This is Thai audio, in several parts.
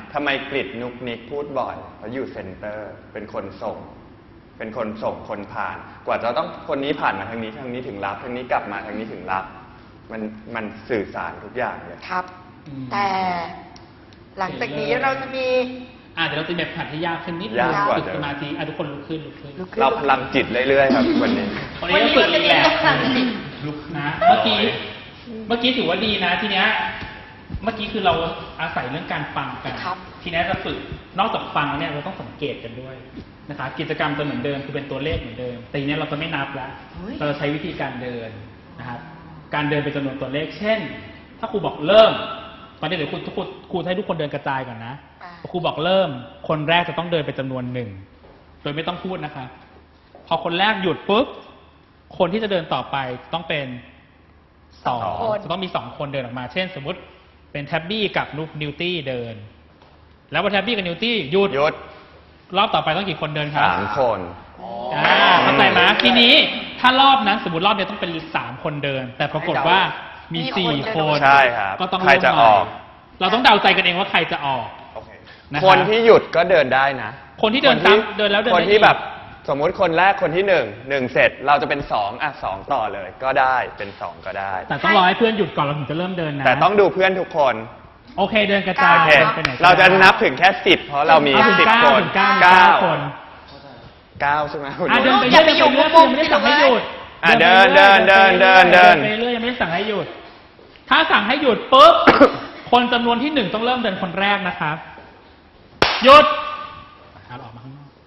ทำไมกริดนุกนิกพูดบ่อยเพราะอยู่เซ็นเตอร์เป็นคนส่งคนผ่าน กว่าจะต้องคนนี้ผ่านมาทางนี้ถึงรับทางนี้กลับมาทางนี้ถึงรับมันสื่อสารทุกอย่างเลยครับแต่หลังจากนี้เราจะมีเดี๋ยวเราจะแบบผัดให้ยากขึ้นนิดนึงฝึกสมาธิทุกคนลุกขึ้นเราพลังจิตเรื่อยๆครับวันนี้ก็ฝึกอีกแล้วลุกนะเมื่อกี้ถือว่าดีนะทีเนี้ยเมื่อกี้คือเราอาศัยเรื่องการฟังกันทีนี้จะฝึกนอกจากฟังเนี่ยเราต้องสังเกตกันด้วยนะคะกิจกรรมจะเหมือนเดิมคือเป็นตัวเลขเหมือนเดิมแต่ทีนี้เราจะไม่นับแล้วเราจะใช้วิธีการเดินนะครับการเดินเป็นจำนวนตัวเลขเช่นถ้าครูบอกเริ่มตอนนี้เดี๋ยวครูให้ทุกคนเดินกระจายก่อนนะครูบอกเริ่มคนแรกจะต้องเดินไปจำนวน1โดยไม่ต้องพูดนะคะพอคนแรกหยุดปุ๊บคนที่จะเดินต่อไปต้องเป็น2จะต้องมี2คนเดินออกมาเช่นสมมุติเป็นแท็บบี้กับนิวตี้เดินแล้วพอแท็บบี้กับนิวตี้หยุดรอบต่อไปต้องกี่คนเดินครับ 3 คนเข้าใจไหมทีนี้ถ้ารอบนั้นสมมติรอบเดียวต้องเป็น3 คนเดินแต่ปรากฏว่ามี4 คนใช่ครับก็ต้องใครจะออกเราต้องเดาใจกันเองว่าใครจะออกคนที่หยุดก็เดินได้นะคนที่เดินตามเดินแล้วเดินคนที่แบบสมมุติคนแรกคนที่1เสร็จเราจะเป็น2ต่อเลยก็ได้เป็น2ก็ได้แต่ต้องรอให้เพื่อนหยุดก่อนเราถึงจะเริ่มเดินนะแต่ต้องดูเพื่อนทุกคนโอเคเดินกระจายเราจะนับถึงแค่10เพราะเรามี10 คน 9 คนใช่ไหมเดินไปเรื่อยๆยังไม่ได้สั่งให้หยุดเดินไปเรื่อยยังไม่ได้สั่งให้หยุดถ้าสั่งให้หยุดปุ๊บคนจำนวนที่1ต้องเริ่มเดินคนแรกนะครับหยุดออกมาข้างนอก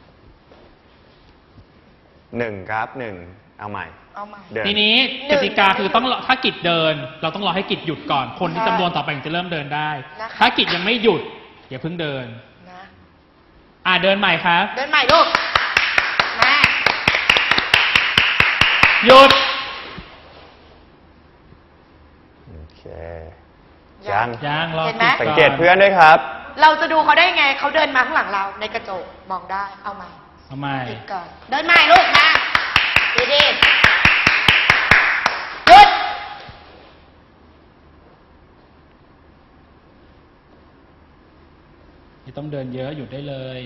1ครับ1เอาใหม่ทีนี้กติกาคือต้องถ้ากิจเดินเราต้องรอให้กิจหยุดก่อนคนที่จำนวนต่อไปถึงจะเริ่มเดินได้ถ้ากิจยังไม่หยุดอย่าเพิ่งเดินเดินใหม่ครับเดินใหม่ลูกมาหยุดโอเคยังรอสังเกตเพื่อนด้วยครับเราจะดูเขาได้ไงเขาเดินมาข้างหลังเราในกระจกมองได้เอาใหม่อีกก่อนเดินใหม่ลูกมาดีหยุดไม่ต้องเดินเยอะหยุดได้เลย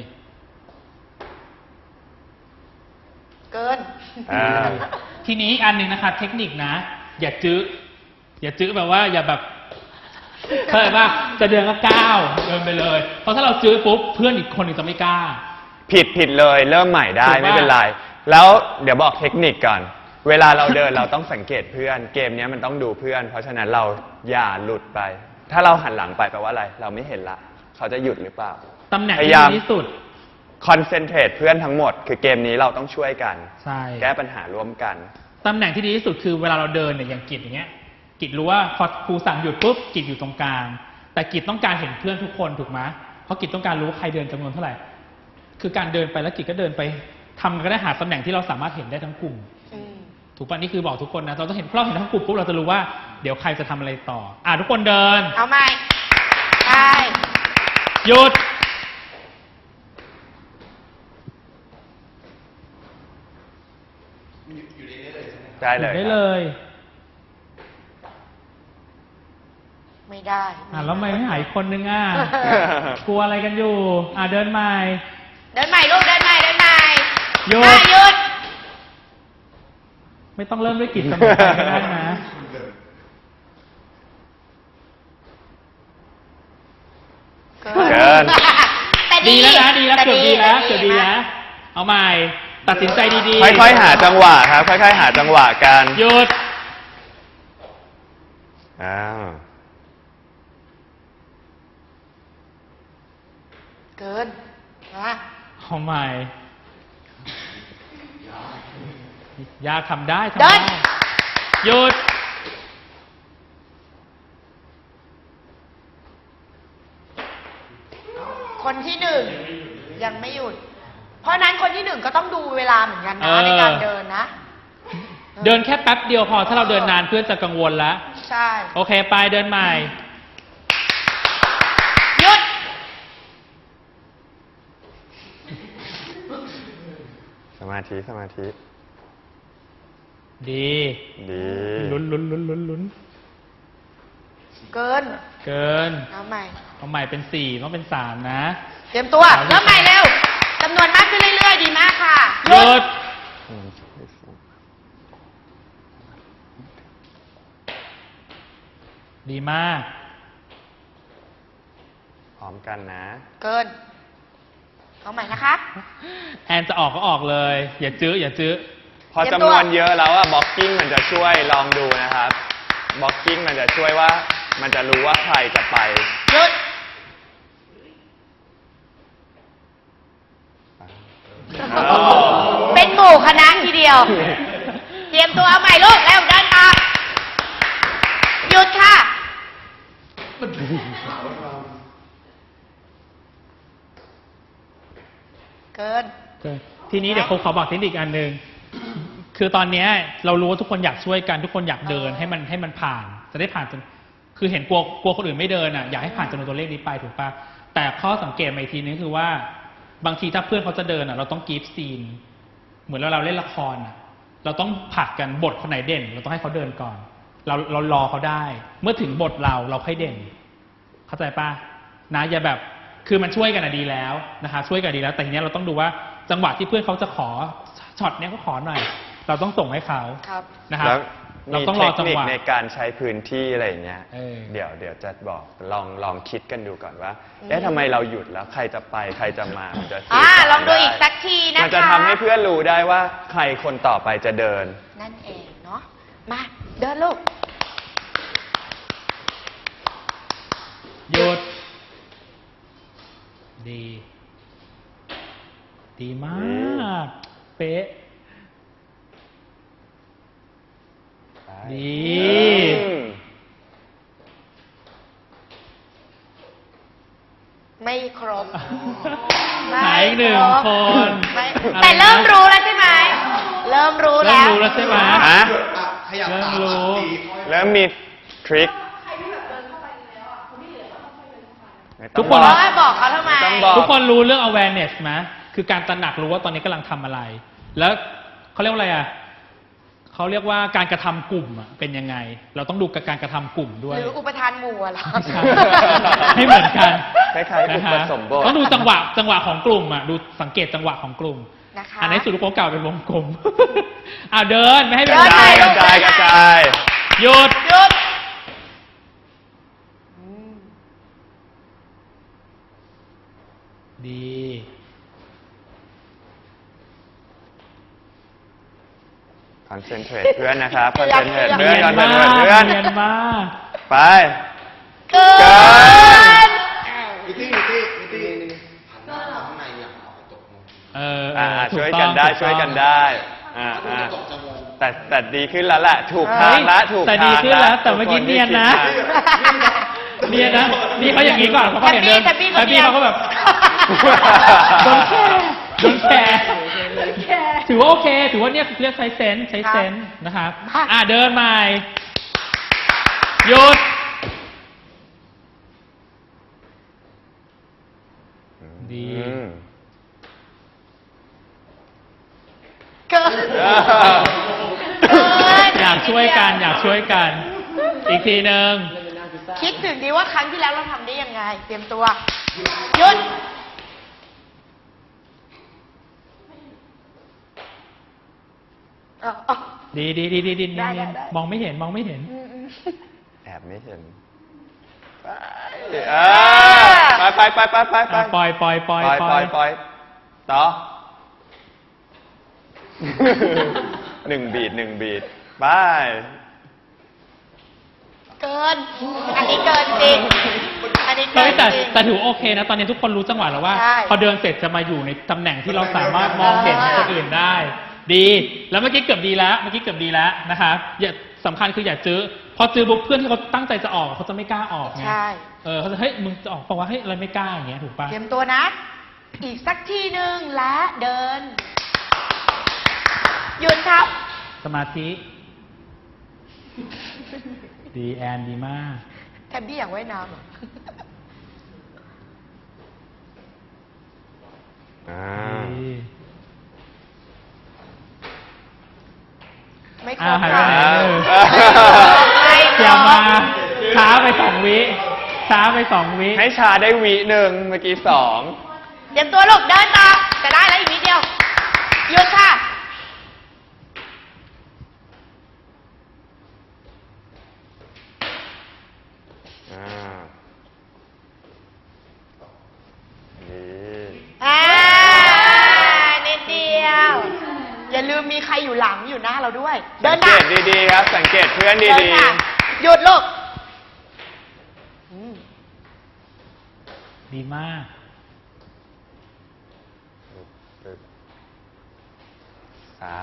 เกินทีนี้อันหนึ่งนะครับเทคนิคนะอย่าจื้อแบบว่าอย่าแบบเคยป่ะจะเดินก็ก้าวเดินไปเลยเพราะถ้าเราจื้อปุ๊บเพื่อนอีกคนนึงจะไม่กล้าผิดเลยเริ่มใหม่ได้ไม่เป็นไรแล้วเดี๋ยวบอกเทคนิคก่อนเวลาเราเดินเราต้องสังเกตเพื่อนเกมนี้มันต้องดูเพื่อนเพราะฉะนั้นเราอย่าหลุดไปถ้าเราหันหลังไปแปลว่าอะไรเราไม่เห็นละเขาจะหยุดหรือเปล่าตำแหน่งที่ดีที่สุดคอนเซนเทรตเพื่อนทั้งหมดคือเกมนี้เราต้องช่วยกันแก้ปัญหาร่วมกันตำแหน่งที่ดีที่สุดคือเวลาเราเดินเนี่ยอย่างกิจอย่างเงี้ยกิจรู้ว่าพอครูสั่งหยุดปุ๊บกิจอยู่ตรงกลางแต่กิจต้องการเห็นเพื่อนทุกคนถูกไหมเพราะกิจต้องการรู้ว่าใครเดินจำนวนเท่าไหร่คือการเดินไปแล้วกิจก็เดินไปทำก็ได้หาตำแหน่งที่เราสามารถเห็นได้ทั้งกลุ่มถูกป่ะนี่คือบอกทุกคนนะเราต้องเห็นเราเห็นทั้งกลุ่มปุ๊บเราจะรู้ว่าเดี๋ยวใครจะทำอะไรต่อทุกคนเดินเอาใหม่ไปหยุดได้เลยไม่ได้แล้วไม่หายคนนึงกลัวอะไรกันอยู่เดินใหม่ลูกเดินใหม่หยุดไม่ต้องเริ่มด้วยกิจเสมอไปก็ได้นะเกินดีแล้วนะดีแล้วเกือบดีแล้วเอาใหม่ตัดสินใจดีๆค่อยๆหาจังหวะครับค่อยๆหาจังหวะกันหยุดเกินนะเอาใหม่ยากทำได้หยุดคนที่1ยังไม่หยุดเพราะนั้นคนที่1ก็ต้องดูเวลาเหมือนกันนะในการเดินนะเดินแค่แป๊บเดียวพอถ้าเราเดินนานเพื่อนจะกังวลแล้วใช่โอเคไปเดินใหม่หยุดสมาธิดีลุ้นเกินเอาใหม่เอาใหม่เป็น4ต้องเป็น3นะเตรียมตัวเริ่มใหม่เร็วจำนวนมากขึ้นเรื่อยๆ ดีมากค่ะหยุดดีมากพร้อมกันนะเกิน เอาใหม่นะคะแอนจะออกก็ออกเลย อย่าจื้ออย่าจื้อพอจำนวนเยอะแล้วอะบล็อกกิ้งมันจะช่วยลองดูนะครับบล็อกกิ้งมันจะช่วยว่ามันจะรู้ว่าใครจะไปหยุด เป็นหมู่คณะทีเดียว เตรียมตัวเอาใหม่ลูกแล้วเดินต่อหยุดค่ะ เกินทีนี้เดี๋ยวผมขอบอกเทคนิคอันหนึ่งคือตอนเนี้ยเรารู้ว่าทุกคนอยากช่วยกันทุกคนอยากเดินให้มันผ่าน จะได้ผ่านจนคือเห็นกลัวคนอื่นไม่เดินอ่ะอยากให้ผ่านจำนวนตัวเลขนี้ไปถูกปะแต่ข้อสังเกตมาอีกทีนึงคือว่าบางทีถ้าเพื่อนเขาจะเดินอ่ะเราต้องกีฟซีนเหมือนเราเล่นละครอ่ะเราต้องผลักกันบทคนไหนเด่น เราต้องให้เขาเดินก่อน เรารอเขาได้ เมื่อถึงบทเราค่อยเด่น เข้าใจปะนะอย่าแบบคือมันช่วยกันดีแล้วนะคะช่วยกันดีแล้วแต่ทีนี้เราต้องดูว่าจังหวะที่เพื่อนเขาจะขอช็อตเนี้ยเขาขอหน่อยเราต้องส่งให้เขานะครับแล้วเรามีต้องเทรอคจังนิคหวะในการใช้พื้นที่อะไรอย่างเงี้ยเดี๋ยวเดี๋ยวจะบอกลองคิดกันดูก่อนว่าทำไมเราหยุดแล้วใครจะไปใครจะมามันจะสื่อสารลองดูได้อีกสักทีนะคะมันจะทำให้เพื่อนรู้ได้ว่าใครคนต่อไปจะเดินนั่นเองเนาะ มาเดินลูกหยุด ดี ดีมาก เป๊ะ ดีไม่ครบหายอีกหนึ่งคนไม่อะไรนะแต่เริ่มรู้แล้วใช่ไหม เริ่มรู้เริ่แล้มวรู้แล้วใช่ไหมฮะเริ่มรู้เริ่มมีทริคทุกคนบอกเขาทำไมต้องบอกทุกคนรู้เรื่อง awareness ไหมคือการตระหนักรู้ว่าตอนนี้กำลังทำอะไร แล้วเขาเรียกว่าอะไรอ่ะเขาเรียกว่าการกระทำกลุ่มอ่ะเป็นยังไง เราต้องดูกับการกระทำกลุ่มด้วยหรืออุปทานหมู่อะเหรอใช่ให้เหมือนกันคล้ายๆนะอุฮะปสมบทต้องดูจังหวะของกลุ่มอ่ะดูสังเกตจังหวะของกลุ่มนะคะอันนี้สุดลูกโป่งเก่าเป็นวงกลม เดินไม่ให้กเป็ระนจายไรกระจายกระจายหยุดหยุดดีคอนเซนเทรตเพื่อนนะครับคอนเซนเทรตเพื่อนเรียคอน นเซมานเทรตเพื่อนเรียนมาไปเกินมิตี้หันหน้าข้างในอยากออกกระจกมองถูช่วยต้กัอน งได้ถูช่วยกันต้องได้อ่าถ้าดูกระจกจะงงแต่ดีขึ้นแล้วแหละถูกทางละถูกแต่ทางดีขึ้นแล้ว แต่ทุเมื่อกี้คเนียนนะที่คิดมาเนียนนะนี่เขาอย่างนี้ก่อนเขาเห็นเดินแต่พี่แต่พี่เขาก็แบบโดนแชร์ถือว่าโอเค ถือว่าเนี่ยเรียกใช้เซนส์นะครับเดินใหม่หยุด ดีอืมเกินอยากช่วยกันอีกทีหนึ่งคิดถึงดีว่าครั้งที่แล้วเราทำได้ยังไง เตรียมตัว หยุดดีได้มองไม่เห็นแอบไม่เห็นไปไปปล่อยต่อ หนึ่งบีทไปเกิน อันนี้เกินจริง อันนี้เกิเฮ้ยนแต่จริงแต่ถือโอเคนะ ตอนนี้ทุกคนรู้จังหวะแล้วว่าใช่พอเดินเสร็จจะมาอยู่ในตำแหน่งที่เราสามารถมองเห็นคนอื่นได้ ดี แล้วเมื่อกี้เกือบดีแล้วนะคะอย่าสำคัญคืออย่าจื้อพอจื้อปุ๊บเพื่อนที่เขาตั้งใจจะออกเขาจะไม่กล้าออกไงใช่เขาจะเฮ้ยมึงจะออกเพราะว่าเฮ้ยอะไรไม่กล้าอย่างเงี้ยถูกปะเตรียมตัวนะ อีกสักทีหนึ่งและเดิน หยุดครับสมาธิ ดีแอนดีมากแทบบี้อยากว่ายน้ำเหรอดีไม่ครบหายค่ะไปไหนไม่ครบอย่ามาช้าไป2 วิช้าไป2 วิให้ชาได้วิหนึ่งเมื่อกี้2 เตรียมตัวลูกเดินต่อจะได้แล้วอีกนิดเดียวหยุดค่ะอ่าดีนิดเดียว อย่าลืมมีใครอยู่หลังอยู่หน้าเราด้วย เดิสันงเกค่ะตดีๆครับ สังเกตเพื่อนเดินดีค่ะหยุดลูกดีมากๆ 3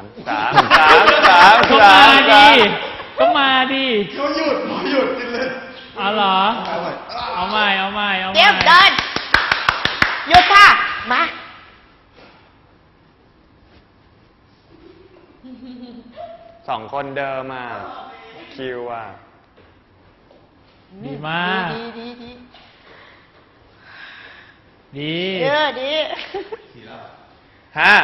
ก็มาดิเขาหยุดกินเลยเอาเหรอ เอาใหม่เตรียมเดิน หยุดค่ะ มา 2 คนเดิมอ่ะคิวอ่ะดีมากดีดีดี 5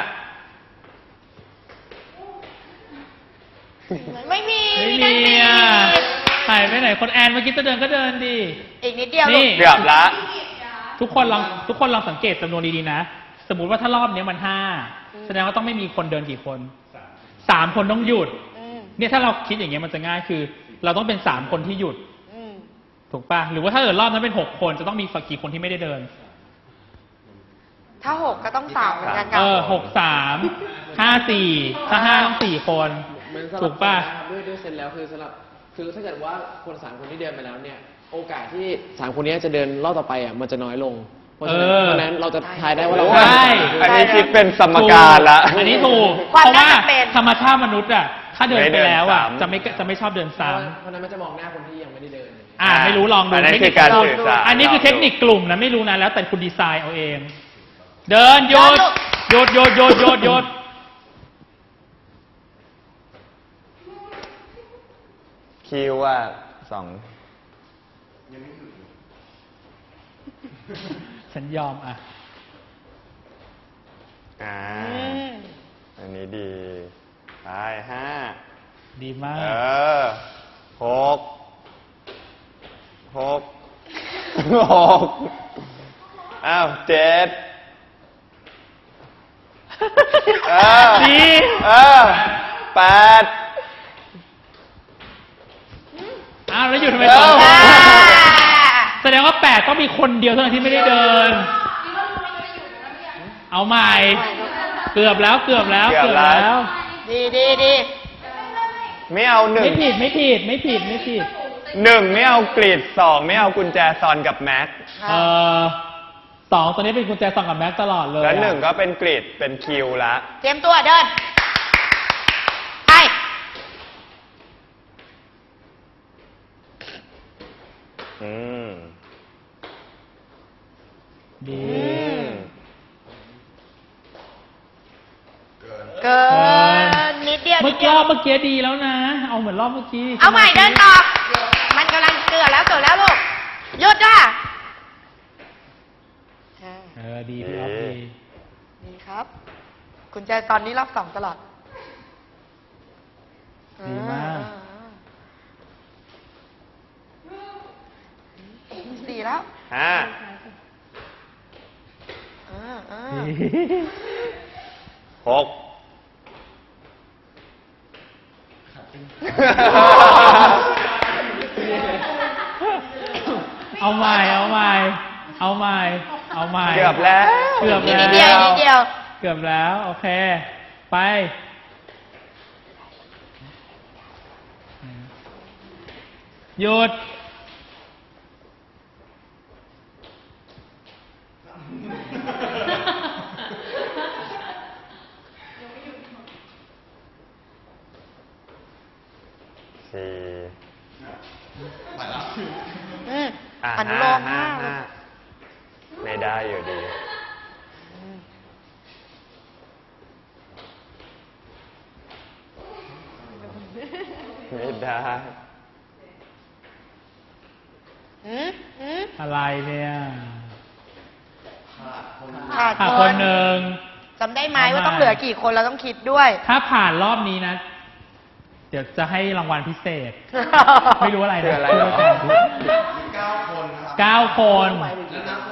ไม่มีไม่นั่นมีอ่ะหายไปไหนคนแอนเมื่อกี้จะเดินก็เดินดิอีกนิดเดียวลูนี่กเกือบละทุกคนลองสังเกตจำนวนดีๆนะ สมมุติว่าถ้ารอบนี้มัน5แสดงว่าต้องไม่มีคนเดินกี่คน3 คนต้องหยุด เนี่ยถ้าเราคิดอย่างเงี้ยมันจะง่ายคือ เราต้องเป็น3 คนที่หยุด ถูกป่ะ หรือว่าถ้าเกิดรอบนั้นเป็น6 คนจะต้องมีกี่คนที่ไม่ได้เดินถ้า6ก็ต้อง3เหมือนกันค่ะ 6 3 5 4ถ้า5ต้อง4 คน ถูกป่ะด้วยเซนแล้วคือสำหรับคือถ้าเกิดว่าคน3 คนที่เดินไปแล้วเนี่ย โอกาสที่3 คนนี้จะเดินรอบต่อไปอ่ะมันจะน้อยลง เพราะฉะนั้นเราจะทายได้ว่าเราใช่อันนี้คิดเป็นสมการละอันนี้ถูกควาเพมราะว่าน่าจะเป็นธรรมชาติมนุษย์อ่ะ ถ้าเดินไปแล้วอ่ะไม่เดินซ้ำจะไม่ชอบเดินซ้ำเพราะฉะนั้นมันจะมองหน้าคนที่ยังไม่ได้เดินไม่รู้ลองดูอันนั้นเทคคืนิอคการสื่อสารอันนี้คือเทคนิคกลุ่มนะไม่รู้นะแล้วแต่คุณดีไซน์เอาเอง เดินหยุดหยุดคิวอ่ะ2 ฉันยอมอ่ะอันนี้ดีไป5 ดีมาก 6 อ้าว7 ดี 8 แล้วอยู่ทำไมต่อแสดงว่า8ต้องมีคนเดียวเท่านั้นที่ไม่ได้เดิน เอาใหม่ เกือบแล้วดีไม่เอา1 ไม่ผิด 1 ไม่เอากรีด2 ไม่เอากุญแจซอนกับแม็ก 2ตัวนี้เป็นกุญแจซองกับแม็กตลอดเลยแล้ว1ก็เป็นกรีดเป็นคิวละเตรียมตัวเดิน ไปดีเกินนิดเดียวเมื่อกี้ดีแล้วนะ เอาเหมือนรอบเมื่อกี้เอาใหม่เดินต่อ มันกำลังเกือบแล้วลูก หยุดค่ะดีพี่รอบดีดีครับ คุณใจตอนนี้รอบ2ตลอดดีมาก 4แล้ว 5 6 เอาใหม่เกือบแล้วนิดเดียวเกือบแล้ว โอเค ไป หยุดอนุโลมมากไม่ได้อยู่ดี ไม่ได้อะไรเนี่ยขาดคนหนึ่งจำได้ไหมว่าต้องเหลือกี่คนเราต้องคิดด้วยถ้าผ่านรอบนี้นะ เดี๋ยวจะให้รางวัลพิเศษ ไม่รู้อะไรคือนะอะไรหรอเพื่อการ 9 คนแล้วนับคน